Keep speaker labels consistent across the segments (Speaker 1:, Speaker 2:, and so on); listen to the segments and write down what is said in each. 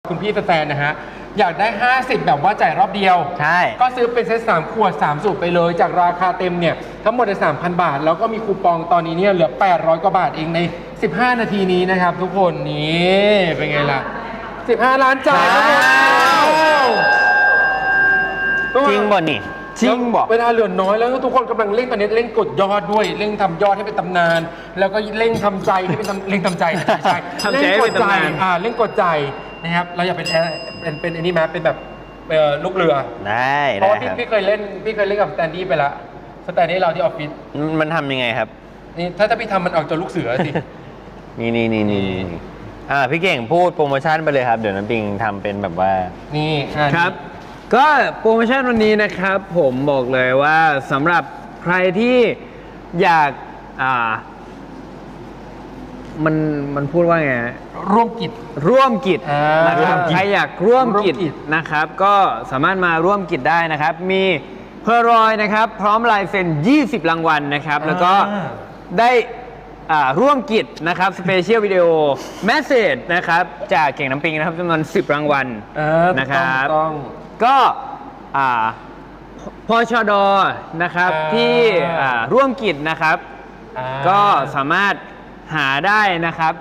Speaker 1: คุณพี่แฟนๆนะฮะอยากได้50แบบว่าจ่ายรอบเดียว
Speaker 2: ใช่
Speaker 1: ก็ซื้อเป็นเซต3ขวด3สูตรไปเลยจากราคาเต็มเนี่ยทั้งหมดใน 3,000 บาทแล้วก็มีคูปองตอนนี้เนี่ยเหลือ800กว่าบาทเองใน15นาทีนี้นะครับทุกคนนี่เป็นไงล่ะ15ล้านจ่ายทุกคน
Speaker 2: จริงบ่นี่จริงบ่
Speaker 1: เวลาเหลือน้อยแล้วทุกคนกำลังเร่งตอนนี้เร่งกดยอดด้วยเร่งทำยอดให้เป็นตำนาน แล้วก็เร่งทำใจให้เป็นเร่งทำใจใช่
Speaker 2: ทำใจให้เป็นตำนาน
Speaker 1: เร่งกดใจนะครับเราอยากเป็นอันนี้ไหมเป็นแบบลูกเรือ
Speaker 2: ได้
Speaker 1: เพราะว่า
Speaker 2: ครับ
Speaker 1: พี่เคยเล่นกับสแตนดี้ไปละสแตนดี้เราที่ออฟฟิศ
Speaker 2: มันทำยังไงครับ
Speaker 1: นี่ถ้าพี่ทำมันออกจากลูกเสือสิ
Speaker 2: นี่พี่เก่งพูดโปรโมชั่นไปเลยครับเดี๋ยวน้ำปิงทำเป็นแบบว่า
Speaker 1: นี่
Speaker 3: ครับ ก็โปรโมชั่นวันนี้นะครับผมบอกเลยว่าสำหรับใครที่อยากมันพูดว่าไง
Speaker 1: ร่วมกิจ
Speaker 3: ร่วมกิจนะครับ
Speaker 1: ร่วมกิจ
Speaker 3: ใครอยากร่วมกิจ
Speaker 1: ร่วมกิจ
Speaker 3: นะครับ ก็สามารถมาร่วมกิจได้นะครับ มีเพอร์รอยนะครับพร้อมลายเซ็น20 รางวัลนะครับ แล้วก็ได้ร่วมกิจนะครับสเปเชียลวิดีโอแมสเซจนะครับจากเก่งน้ำปิงนะครับจำนวน10 รางวัลนะครับ
Speaker 1: ต้อง
Speaker 3: ก็พชดนะครับที่ร่วมกิจนะครับ ก็สามารถหาได้นะครับ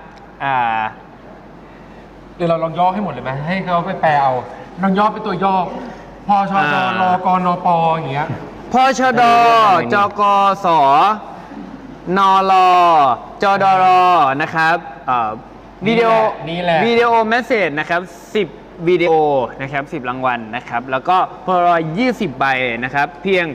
Speaker 1: เดี๋ยวเราลองย่อให้หมดเลยไหมให้เขาไปแปลเอาลองย่อเป็นตัวย่อพชดรกนปอย่างเงี้ย
Speaker 3: พชดจกสนลจดรนะครับวิดีโอ
Speaker 1: นี่แหละ
Speaker 3: วิดีโอเมสเซจนะครับ10วิดีโอนะครับ10 รางวัลนะครับแล้วก็พอรอย20 ใบนะครับเพียง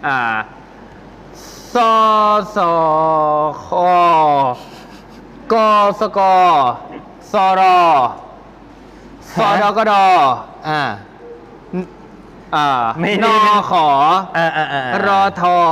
Speaker 3: สสคกสกสรสดกด
Speaker 2: ไม่
Speaker 3: น
Speaker 2: ได้
Speaker 3: ขอรอทอ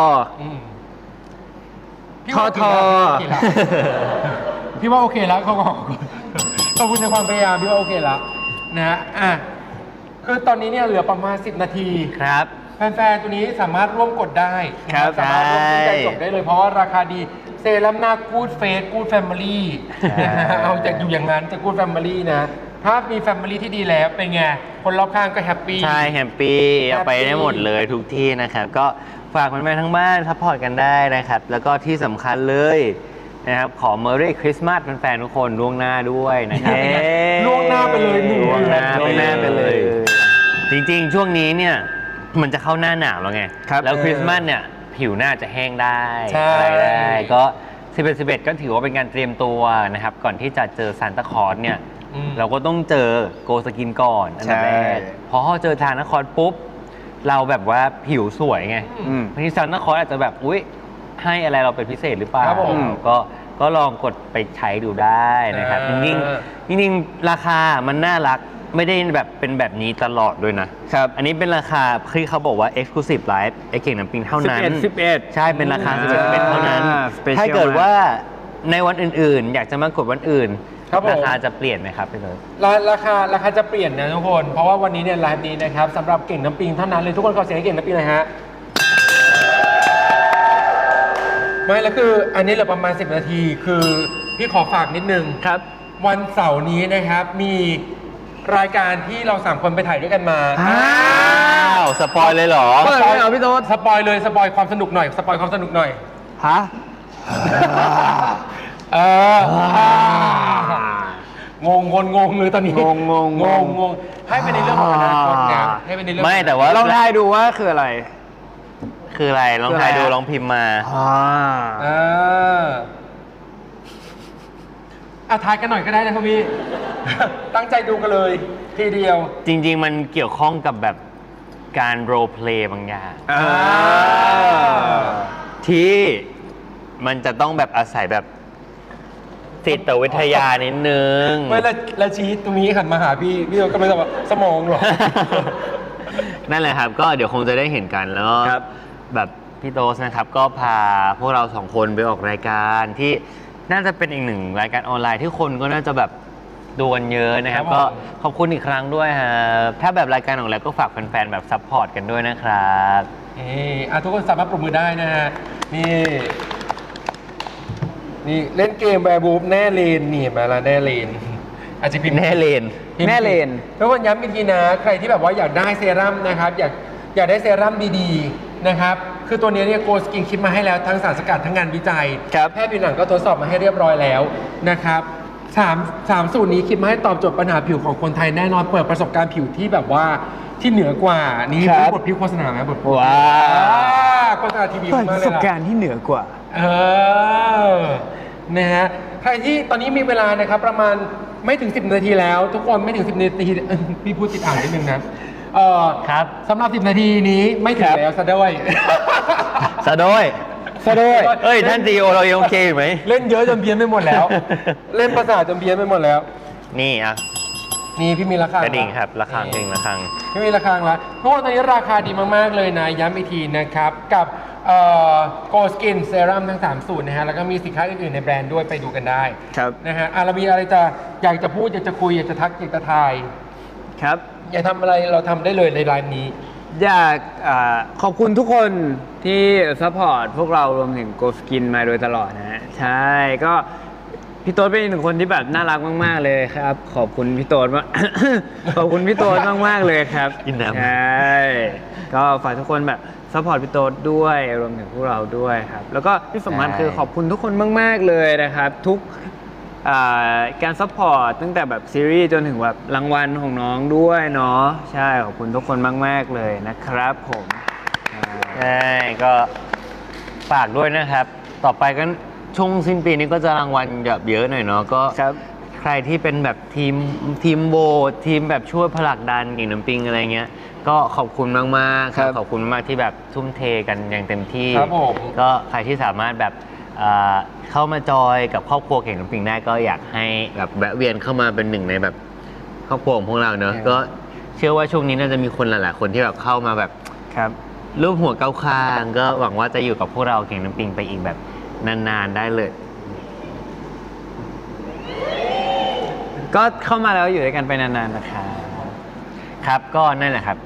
Speaker 1: พี่ว่าโอเคแล้วพี่ว่าโอเคแล้วขอบคุณในความพยายามพี่ว่าโอเคแล้วนะคือตอนนี้เนี่ยเหลือประมาณ10นาที
Speaker 2: ครับ
Speaker 1: แฟนๆตัวนี้สามารถร่วมกดได้
Speaker 3: ครับ
Speaker 1: สามารถร่วมซื้อใจจบได้เลยเพราะว่าราคาดีเซรั่มหน้ากู๊ดเฟสกู๊ดแฟมิลี่เอาจากอยู่อย่างนั้นจะกู๊ดแฟมิลี่นะถ้ามีแฟมิลี่ที่ดีแล้วเป็นไงคนรอบข้างก็แฮปปี้
Speaker 2: ใช่แฮปปี้เอาไปได้หมดเลยทุกที่นะครับก็ฝากแฟนๆทั้งบ้านซัพพอร์ตกันได้นะครับแล้วก็ที่สำคัญเลยนะครับขอ Merry Christmas แฟนๆทุกคนล่วงหน้าด้วยนะครับ
Speaker 1: ล่วงหน้าไปเลย1 เดื
Speaker 2: ล่ว
Speaker 1: อง น
Speaker 2: หน้าไปเลย จริงๆ ช่วงนี้เนี่ยมันจะเข้าหน้าหนาวแล้วไงแล้วคริสต์มาสเนี่ยผิวหน้าจะแห้งได้อะไรได้ก็11 ก็ถือว่าเป็นการเตรียมตัวนะครับก่อนที่จะเจอซานตาคลอสเนี่ยเราก็ต้องเจอโกสกินก่อนอันดับแรกพอเจอซานตาคลอสปุ๊บเราแบบว่าผิวสวยไงบางทีซานตาคลอสอาจจะแบบอุ๊ยให้อะไรเราเป็นพิเศษหรือเปล่าก็ลองกดไปใช้ดูได้นะครับจริงๆราคามันน่ารักไม่ได้แบบเป็นแบบนี้ตลอดด้วยนะครับอันนี้เป็นราคาที่เขาบอกว่า Exclusive Live ไอเก่งน้ำปิงเท่านั้น
Speaker 3: 11
Speaker 2: ใช่เป็นราคา11เท่านั้นถ้าเกิดว่าในวันอื่นๆ อยากจะมากดวันอื่นราคาจะเปลี่ยนไหมครับพี่เลิศ
Speaker 1: ราคาจะเปลี่ยนนะทุกคนเพราะว่าวันนี้เนี่ยไลฟ์นี้นะครับสำหรับเก่งน้ำปิงเท่านั้นเลยทุกคนขอเสียงให้เก่งน้ำปิงหน่อยฮะไม่แล้วคืออันนี้เหลือประมาณ10นาทีคือพี่ขอฝากนิดนึง
Speaker 3: ครับ
Speaker 1: วันเสาร์นี้นะครับมีรายการที่เรา3คนไปถ่ายด้วยกันมา
Speaker 2: สปอยเลยเหรอ
Speaker 3: เปิดเลยเหรอพี่โต๊ด
Speaker 1: สปอยเลยสปอยความสนุกหน่อยสปอยความสนุกหน่อย
Speaker 3: ฮะ
Speaker 1: งงเลยตอนนี้งงให้เป็นในเรื่องของอนาคตนะให้เป็นในเรื่อง
Speaker 2: ไม่แต่ว่า
Speaker 3: ลองทายดูว่าคืออะไร
Speaker 2: ลองทายดูลองพิมพ์มา
Speaker 1: ทายกันหน่อยก็ได้นะครับพี่ ตั้งใจดูกันเลยทีเดียว
Speaker 2: จริงๆมันเกี่ยวข้องกับแบบการโรลเพลย์บางอย่างที่มันจะต้องแบบอาศัยแบบจิตวิทยานิดนึง
Speaker 1: ไม่ละชี้ตรงนี้หันมาหาพี่ก็ไม่ต้องว่าสมองหรอ
Speaker 2: นั่นแหละครับก็เดี๋ยวคงจะได้เห็นกันแล้วแบบพี่โต๊สนะครับก็พาพวกเรา2คนไปออกรายการที่น่าจะเป็นอีกหนึ่งรายการออนไลน์ที่คนก็น่าจะแบบดูกันเยอะนะครับก็ขอบคุณอีกครั้งด้วยครับถ้าแบบรายการของเราก็ฝากแฟนๆแบบซัพพอร์ตกันด้วยนะครับ
Speaker 1: ทุกคนสามารถปรบมือได้นะฮะนี่เล่นเกมแวร์บูฟแน่เลนนี่มาละแน่เลนอาจจะพิมพ์
Speaker 2: แน่เลน
Speaker 3: แน่เลน
Speaker 1: ทุกคนย้ำอีกทีนะใครที่แบบว่าอยากได้เซรั่มนะครับอยากได้เซรั่มดีๆนะครับคือตัวนี้เนี่ยโกสกินคิดมาให้แล้วทั้งสารสกัดทั้งงานวิจัย
Speaker 3: ครับ
Speaker 1: แพทย์ผิวหนังก็ทดสอบมาให้เรียบร้อยแล้วนะครับสามสูตรนี้คิดมาให้ตอบโจทย์ปัญหาผิวของคนไทยแน่นอนเปิดประสบการณ์ผิวที่แบบว่าที่เหนือกว่านี่
Speaker 3: ครับ
Speaker 1: เป็นบทพิโฆษณาไหมบท
Speaker 3: ว้า
Speaker 1: โฆษณาทีวี
Speaker 3: เปิด
Speaker 1: มา
Speaker 3: ป
Speaker 1: กเล
Speaker 3: ระส
Speaker 1: ย
Speaker 3: บ
Speaker 1: ล่ะ
Speaker 3: การณ์ที่เหนือกว่า
Speaker 1: นะฮะใครที่ตอนนี้มีเวลานะครับประมาณไม่ถึง 10 นาทีแล้ว ทุกคนไม่ถึง 10 นาทีพี่พูดติดอ่างนิดนึงนะ
Speaker 2: ครับ
Speaker 1: สำหรับ 10 นาทีนี้ไม่ถึ
Speaker 3: ค
Speaker 1: ง
Speaker 3: รับ
Speaker 1: แล้วซะด้วย
Speaker 2: สะโดย
Speaker 3: ซะด้วย
Speaker 2: เอ้ย ท่านซีโอเรายังโอเคอยู่ไหม
Speaker 1: เล่นเยอะจนเพี้ยนไปหมดแล้ว เล่นประสาทจนเพี้ยนไปหมดแล้ว
Speaker 2: นี่อ่ะ
Speaker 1: นี่พี่มีราคาก
Speaker 2: ระดิ่งครับระฆังกระดิ่งระฆัง
Speaker 1: พี่มีราคาแล้วทุกคนตอนนี้ราคาดีมากๆเลยนะย้ำอีกทีนะครับกับโกสกินเซรั่มทั้ง 3 สูตรนะฮะแล้วก็มีสินค้าอื่นๆในแบรนด์ด้วยไปดูกันได้
Speaker 3: ครับ
Speaker 1: นะฮะเรามีอะไรอยากจะพูดอยากจะคุยอยากจะทักอยากจะทาย
Speaker 3: ครับ
Speaker 1: อยากทำอะไรเราทำได้เลยในไลน์นี้
Speaker 3: อยากขอบคุณทุกคนที่ซัพพอร์ตพวกเรารวมถึงโกสกินมาโดยตลอดนะฮะใช่ก็พี่โต๊ดเป็นอีกหนึ่งคนที่แบบน่ารักมากๆเลยครับ ขอบคุณพี่โต๊ดมาก ขอบคุณพี่โต๊ดมากๆเลยครับ
Speaker 2: อินน้ำ
Speaker 3: ใช่ก็ฝากทุกคนแบบซัพพอร์ตพี่โต๊ดด้วยรวมถึงพวกเราด้วยครับแล้วก็ที่สำคัญคือขอบคุณทุกคนมากๆเลยนะครับ ทุกการซัพพอร์ตตั้งแต่แบบซีรีส์จนถึงแบบรางวัลของน้องด้วยเนาะใช่ขอบคุณทุกคนมากๆเลยนะครับผม
Speaker 2: ใช่ก็ฝากด้วยนะครับ ต่อไปก็ช่วงสิ้นปีนี้ก็จะรางวัลแบบเยอะหน่อยเนาะก็
Speaker 3: ครับ
Speaker 2: ใครที่เป็นแบบทีมโหวตทีมแบบช่วยผลักดันเก่งน้ำปิงอะไรเงี้ยก็ขอบคุณมากๆ
Speaker 3: ครับ
Speaker 2: ขอบคุณมากที่แบบทุ่มเทกันอย่างเต็มที่
Speaker 1: ครับผม
Speaker 2: ก็ใครที่สามารถแบบเข้ามาจอยกับครอบครัวเก่งน้ำปิงได้ก็อยากให้แบบแวะเวียนเข้ามาเป็นหนึ่งในแบบครอบครัวของพวกเราเนอะก็เชื่อว่าช่วงนี้น่าจะมีคนหลายๆคนที่แบบเข้ามาแบบ
Speaker 3: ครับ
Speaker 2: รูปหัวเก้าคางก็หวังว่าจะอยู่กับพวกเราเก่งน้ำปิงไปอีกแบบนานๆได้เลย
Speaker 3: ก็เข้ามาแล้วอยู่ด้วยกันไปนานๆนะคะ
Speaker 2: ครับก็นั่นแหละครับ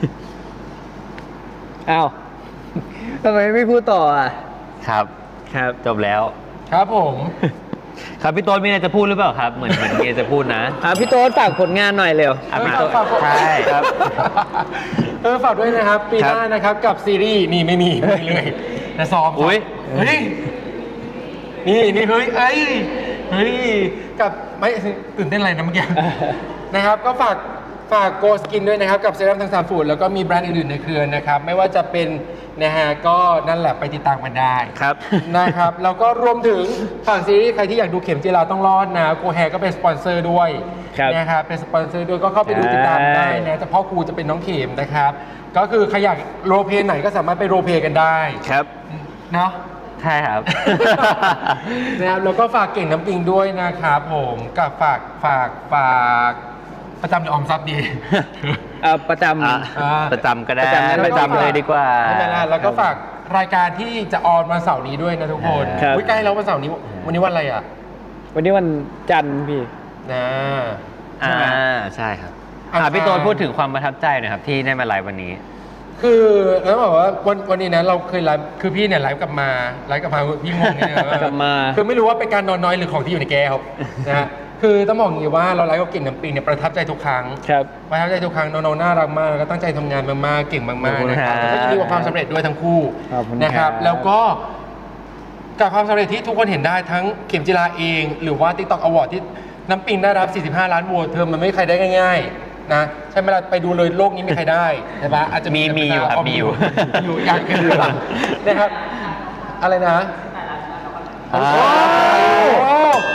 Speaker 3: อ้าว ทำไมไม่พูดต่ออ่ะ
Speaker 2: ครับ
Speaker 3: ครับ
Speaker 2: จบแล้ว
Speaker 1: ครับผม
Speaker 2: ครับพี่โต๊ดมีอะไรจะพูดหรือเปล่าครับ เหมือนเกจะพูดนะ
Speaker 3: พี่โต๊ดฝากผลงานหน่อยเร็ว
Speaker 2: อ่ะพี่
Speaker 1: เอ
Speaker 2: โต๊
Speaker 1: อ
Speaker 2: ด
Speaker 1: ฝาก
Speaker 2: ใช่ครับ
Speaker 1: ฝากด้วยนะครับ ปีหน้านะครับกับซีรีส์นี่ไม่มีเลยนะซ้อม
Speaker 2: อุ๊ย
Speaker 1: เฮ้ยนี่เฮ้ยกับไม่ตื่นเต้นอะไรนะเมื่อกี้ นะครับก็ฝากโกสกินด้วยนะครับกับเซรั่มทั้ง3สูตรแล้วก็มีแบรนด์อื่นๆในเครือนะครับไม่ว่าจะเป็นนะฮะก็นั่นแหละไปติดตามกันได้
Speaker 3: ครับ
Speaker 1: นะครับแล้วก็รวมถึงฝั่งซีรีส์ใครที่อยากดูเข็มจีราต้องรอดนะโกแฮก็เป็นสปอนเซอร์ด้วย
Speaker 3: ครับ
Speaker 1: นะครับเป็นสปอนเซอร์ด้วยก็เข้าไปดูติดตามได้นะแต่พ่อครูจะเป็นน้องเข็มนะครับก็คือใครอยากโรลเพลย์ไหนก็สามารถไปโรลเพลย์กันได้
Speaker 3: ครับ
Speaker 1: เนาะ
Speaker 2: ใช่ครับ
Speaker 1: นะครับแล้วก็ฝากเก่งน้ำปิงด้วยนะครับผมกับฝากประจำหรือออมทรัพย์ดี
Speaker 3: ประจ
Speaker 2: อ่ะ
Speaker 3: ำ
Speaker 2: ประจำก็ได้
Speaker 3: ประจำนั้น
Speaker 2: ประจำเลยดีกว่า
Speaker 1: ไม่เป็นไรแล้วก็ฝากรายการที่จะออนวันเสาร์นี้ด้วยนะทุกคน
Speaker 3: ครับ
Speaker 1: อุ๊ยใกล้แล้ววันเสาร์นี้วันนี้วันอะไรอ่ะ
Speaker 3: วันนี้วันจันทร์พี่
Speaker 1: นะ
Speaker 2: ใช่ครับ
Speaker 1: อ่ะ
Speaker 2: พี่โต๊ดพูดถึงความประทับใจหน่อยครับที่ได้มาไลฟ์วันนี้
Speaker 1: คือแล้วบอกว่าวันนี้นะเราเคยไลฟ์คือพี่เนี่ยไลฟ์กลับมาพี่งงเนี่ย
Speaker 3: กลับมา
Speaker 1: คือไม่รู้ว่าเป็นการนอนน้อยหรือของที่อยู่ในแก้วนะฮะคือต้องบอกอย่างนี้ว่าเราไลฟ์กับเก่งน้ำปิงเนี่ยประทับใจทุกครั้ง
Speaker 3: ครับ
Speaker 1: ประทับใจทุกครั้งน้องๆน่ารักมากแล้วก็ตั้งใจทำงานมากๆเก่งมากๆนะครับ
Speaker 2: ขอบคุณครับ
Speaker 1: แล้วก็ยินดีกับความสำเร็จด้วยทั้งคู่
Speaker 3: ขอบคุณ
Speaker 1: นะครับ
Speaker 3: ครับ
Speaker 1: แล้วก็กับความสำเร็จที่ทุกคนเห็นได้ทั้งเข็มจิราเอง หรือว่า TikTok Award ที่น้ำปิงได้รับ 45 ล้านโหวตเธอมันไม่มีใครได้ง่ายๆนะใช่ไหมล่ะไปดูเลยโลกนี้ไม่มีใครได้ใช่ปะอาจจะ
Speaker 2: มีอยู่ครับมีอยู่
Speaker 1: อยู่อย่างเกินนะครับ อะไรนะ โอ้โห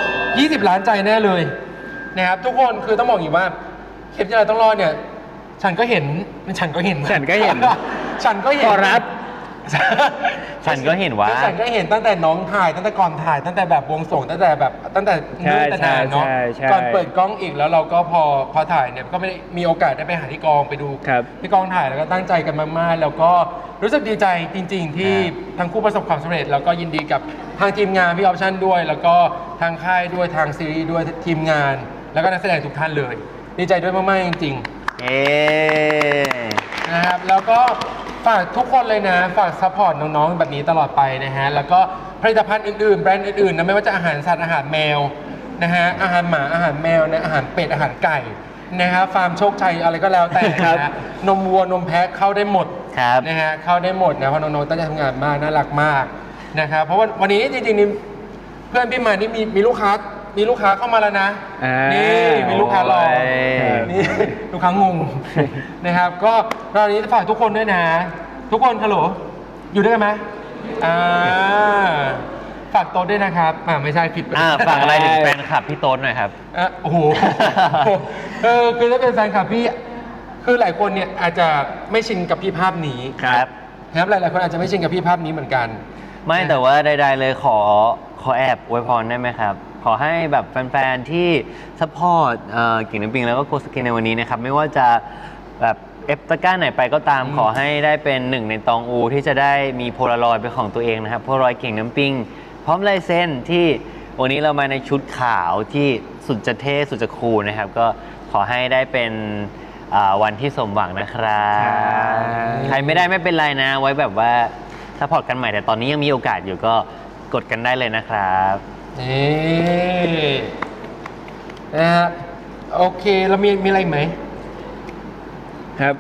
Speaker 1: 20 ล้านใจแน่เลยนะครับทุกคนคือต้องบอกอย่างนี้ว่าเข็มจิราต้องรอดเนี่ย ฉันก็เห็น
Speaker 3: ฉันก็เห็น
Speaker 1: ฉันก็เห็น
Speaker 3: ขอรับ
Speaker 2: ฉันก็เห็นว่า
Speaker 1: ฉันก็เห็นตั้งแต่น้องถ่ายตั้งแต่ก่อนถ่ายตั้งแต่แบบวงส่งตั้งแต่นู่นแต่นานเนาะ
Speaker 3: ใช่
Speaker 1: ก่อนเปิดกล้องอีกแล้วเราก็พอถ่ายเนี่ยก็ไม่ได้มีโอกาสได้ไปหาที่กองไปดู
Speaker 3: ครับ
Speaker 1: ที่กองถ่ายแล้วก็ตั้งใจกันมากๆแล้วก็รู้สึกดีใจจริง ๆ ที่ทั้งคู่ประสบความสำเร็จ แล้วก็ยินดีกับทางทีมงานพี่ออปชั่นด้วย แล้วก็ทางค่ายด้วยทางซีรีส์ด้วยทีมงาน แล้วก็นักแสดงทุกท่านเลย ดีใจด้วยมากๆจริง ๆ
Speaker 2: เอ๊
Speaker 1: นะครับแล้วก็ฝากทุกคนเลยนะฝากซัพพอร์ตน้องๆแบบนี้ตลอดไปนะฮะแล้วก็ผลิตภัณฑ์อื่นๆแบรนด์อื่นๆนะไม่ว่าจะอาหารสัตว์อาหารแมวนะฮะอาหารหมาอาหารแมวนะอาหารเป็ดอาหารไก่นะครับฟาร์มโชคชัยอะไรก็แล้วแต่นะฮะนมวัวนมแพะเข้าได้หมด
Speaker 2: ครับ
Speaker 1: นะฮะเข้าได้หมดนะเพราะน้องๆตั้งใจทำงานมากน่ารักมากนะครับเพราะว่าวันนี้จริงๆนี่เพื่อนพี่มานี่มีลูกค้าเข้ามาแล้วนะนี่มีลูกค้ารอนี่ลูกค้างงนะครับก็เรานี้ฝากทุกคนด้วยนะ ทุกคนฮัลโหลอยู่ด้วยกันไหมฝากโต๊ะด้วยนะครับไม่ใช่ผิด
Speaker 2: ฝากอะไรถึงแฟนคลับพี่โต๊ดหน่อยครับ
Speaker 1: โอ้โหคือถ้าเป็นแฟนคลับพี่คือหลายคนเนี่ยอาจจะไม่ชินกับพี่ภาพนี้
Speaker 2: ครับ
Speaker 1: นะครับหลายๆคนอาจจะไม่ชินกับพี่ภาพนี้เหมือนกัน
Speaker 2: ไม่แต่ว่าใดๆเลยขอแอบอวยพรได้ไหมครับ ขอให้แบบแฟนๆที่ซัพพอร์ตกิ่งน้ำปิงแล้วก็โกสกินในวันนี้นะครับไม่ว่าจะแบบเอฟตะกร้าไหนไปก็ตามขอให้ได้เป็นหนึ่งในตองอูที่จะได้มีโพลารอยด์เป็นของตัวเองนะครับโพลารอยด์กิ่งน้ำปิงพร้อมลายเซ็นที่วันนี้เรามาในชุดขาวที่สุดจะเท่สุดจะคูลนะครับก็ขอให้ได้เป็นวันที่สมหวังนะครับใครไม่ได้ไม่เป็นไรนะไว้แบบว่าซัพพอร์ตกันใหม่แต่ตอนนี้ยังมีโอกาสอยู่ก็กดกันได้เลยนะครับ
Speaker 1: นี่นะฮะโอเคเรามีอะไรไหม
Speaker 3: ครับ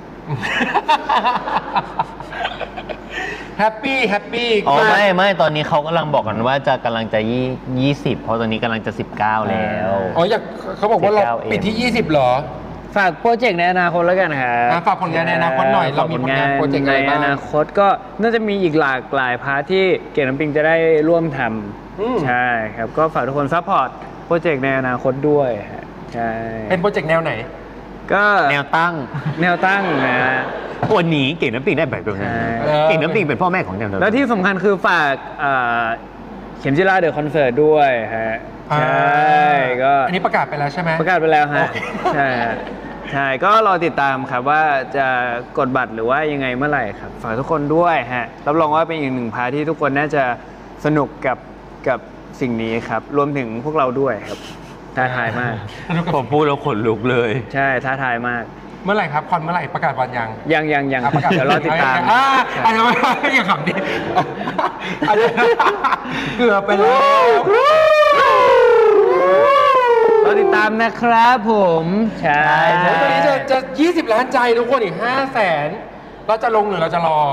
Speaker 1: แฮปปี้
Speaker 2: อ๋อไม่ตอนนี้เขากำลังบอกกันว่าจะกำลังจะ20เพราะตอนนี้กำลังจะ19แล้ว
Speaker 1: อ๋ออยากเขาบอกว่าเราปิดที่20เหรอ
Speaker 3: ฝากโปรเจกต์ในอนาคตแล้วกันครับ
Speaker 1: ฝากผลงานในอนาคตหน่อยเรามีผลงานโปรเจกต์อะไรบ้าง
Speaker 3: ในอนาคตก็น่าจะมีอีกหลากหลายพาร์ทที่เก่งน้ำปิงจะได้ร่วมทำใช่ครับก็ฝากทุกคนซัพพอร์ตโปรเจกต์ในอนาคตด้วยใช่
Speaker 1: เป็นโปรเจกต์แนวไหน
Speaker 3: ก็
Speaker 2: แนวตั้ง
Speaker 3: นะ
Speaker 2: วันนี้เก่งน้ำปิงได้แบบนี้เก่งน้ำปิงเป็นพ่อแม่ของแนวตั้ง
Speaker 3: แล้วที่สำคัญคือฝากเข็มจิราเดอะคอนเสิร์ตด้วยฮะใช่ก็
Speaker 1: อันนี้ประกาศไปแล้วใช่ไหม
Speaker 3: ประกาศไปแล้วฮะใช่ก็รอติดตามครับว่าจะกดบัตรหรือว่ายังไงเมื่อไหร่ครับฝากทุกคนด้วยฮะรับรองว่าเป็นอีกหนึ่งพาร์ทที่ทุกคนน่าจะสนุกกับสิ่งนี้ครับรวมถึงพวกเราด้วยครับท้าทายมาก
Speaker 2: ผมพูดแล้วขนลุกเลย
Speaker 3: ใช่ท้าทายมาก
Speaker 1: เมื่อไหร่ครับคอนเมื่อไหร่ประกาศวัน
Speaker 3: ยังประกาศเดี๋ยวรอติดตาม
Speaker 1: อันนี้อย่าขำดิเกือบไปแล้ว
Speaker 3: รอติดตามนะครับผมใช่
Speaker 1: ตอนนี้จะ20 ล้านใจทุกคนอีก500,000เราจะลงหรือเราจะรอ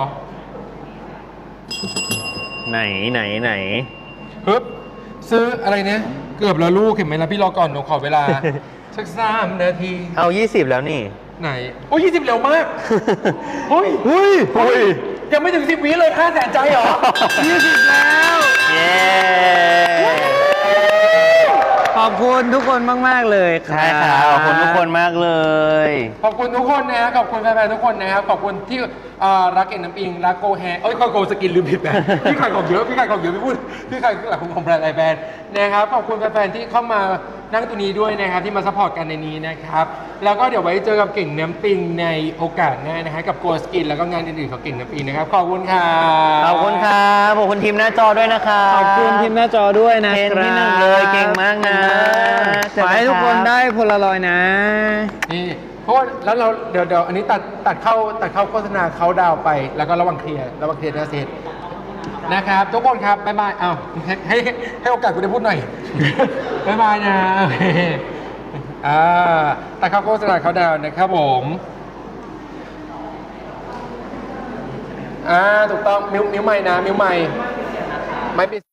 Speaker 2: ไหน
Speaker 1: ฮึบซื้ออะไรเนี่ยเกือบแล้วลูกเห็นไหมล่ะพี่รอก่อนหนูขอเวลาสัก3 นาที
Speaker 2: เอา20แล้วนี่
Speaker 1: ไหนโอ้ย20เร็วมากเฮ้ยยังไม่ถึง10 วิเลย500,000ใจเหรอ20แล้ว
Speaker 2: เย้
Speaker 3: ขอบคุณทุกคนมากๆเลย
Speaker 2: ใช่ครับขอบคุณทุกคนมากเลย
Speaker 1: ขอบคุณทุกคนนะขอบคุณแฟนๆทุกคนนะครับขอบคุณที่รักเก่งน้ำปิงรักโกแฮโกสกินลืมผิดไปพี่ขายของเยอะไม่พูดพี่ขายของแบรนด์ไอแบรนด์นะครับขอบคุณแฟนๆที่เข้ามานั่งตัวนี้ด้วยนะครับที่มาซัพพอร์ตกันในนี้นะครับแล้วก็เดี๋ยวไว้เจอกับเก่งน้ำปิงในโอกาสหน้านะฮะกับโกสกินแล้วก็งานอื่นๆของเก่งน้ำปิงนะครับขอบคุณครับ
Speaker 2: ขอบคุณทีมหน้าจอด้วยนะครับ
Speaker 3: ขอบคุณทีมหน้าจอด้วยนะ
Speaker 2: เป็นที่หนึ่งเลยเก่งมากนะ
Speaker 3: ขอให้ทุกคนได้โพลารอยด์นะ
Speaker 1: นี่เพราะว่าแล้วเราเดี๋ยวอันนี้ตัดเข้าโฆษณาเขาดาวไปแล้วก็ระหว่างเคลียร์จะเสร็จนะครับทุกคนครับบ๊ายบายให้โอกาสกูได้พูดหน่อยบ๊ายบายนะตัดเข้าโฆษณาเขาดาวนะครับผมถูกต้องมิ้วใหม่นะมิ้วใหม่ไม่ปิด